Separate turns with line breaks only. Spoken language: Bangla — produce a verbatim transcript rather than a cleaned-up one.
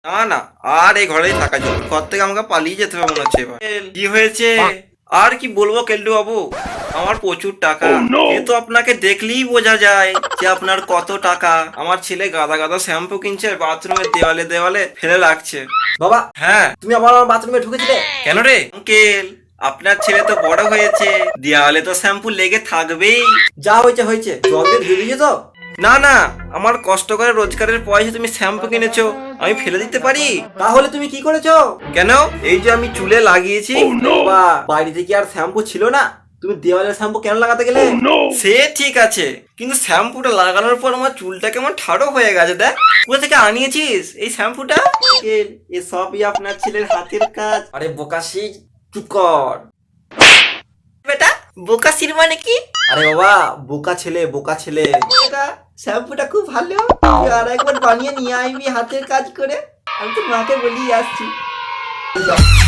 না না, আর এই ঘরেই থাকা যাবে, ঘর থেকে আমাকে পালিয়ে যেতে হবে মনে হচ্ছে এবার। কি হয়েছে আর কি বলবো কেলটু বাবু, আমার প্রচুর টাকা। কিন্তু আপনাকে দেখলেই বোঝা যায় যে আপনার কত টাকা। আমার ছেলে গাদা গাদা শ্যাম্পু কিনছে, বাথরুমের দেওয়ালে দেওয়ালে ফেলে রাখছে।
বাবা,
হ্যাঁ
তুমি আবার আমার বাথরুমে ঢুকেছিলে?
কেন রে আঙ্কেল, আপনার ছেলে তো বড় হয়েছে, দেওয়ালে তো শ্যাম্পু লেগে থাকবেই।
যা হয়েছে হয়েছে, জল দিয়ে ধুয়ে দিয়েছো তো?
না না, আমার কষ্ট করে রোজগারের পয়সা তুমি শ্যাম্পু কিনেছো, আমি ফেলে দিতে পারি?
তাহলে তুমি কি করেছো?
কেন, এই যে আমি চুলে লাগিয়েছি।
বাবা, বাড়িতে কি আর শ্যাম্পু ছিল না? তুমি দেওয়ালের শ্যাম্পু কেন লাগাতে গেলে?
সে ঠিক আছে, কিন্তু শ্যাম্পুটা লাগানোর পর আমার চুলটা কেমন ঠাড়ো হয়ে গেছে। দেখ, কোথা থেকে আনিয়েছিস এই শ্যাম্পুটা?
আঙ্কেল, এ সবই আপনার ছেলের হাতের কাজ। আরে বোকাশি, চুপ কর।
বেটা, বোকাসির মানে কি?
আরে বাবা, বোকা ছেলে বোকা ছেলে। এটা শ্যাম্পুটা খুব ভালো, তুই আর একবার বানিয়ে নিয়ে আইবি হাতের কাজ করে। আমি তো মাকে বলিয়ে আসছি।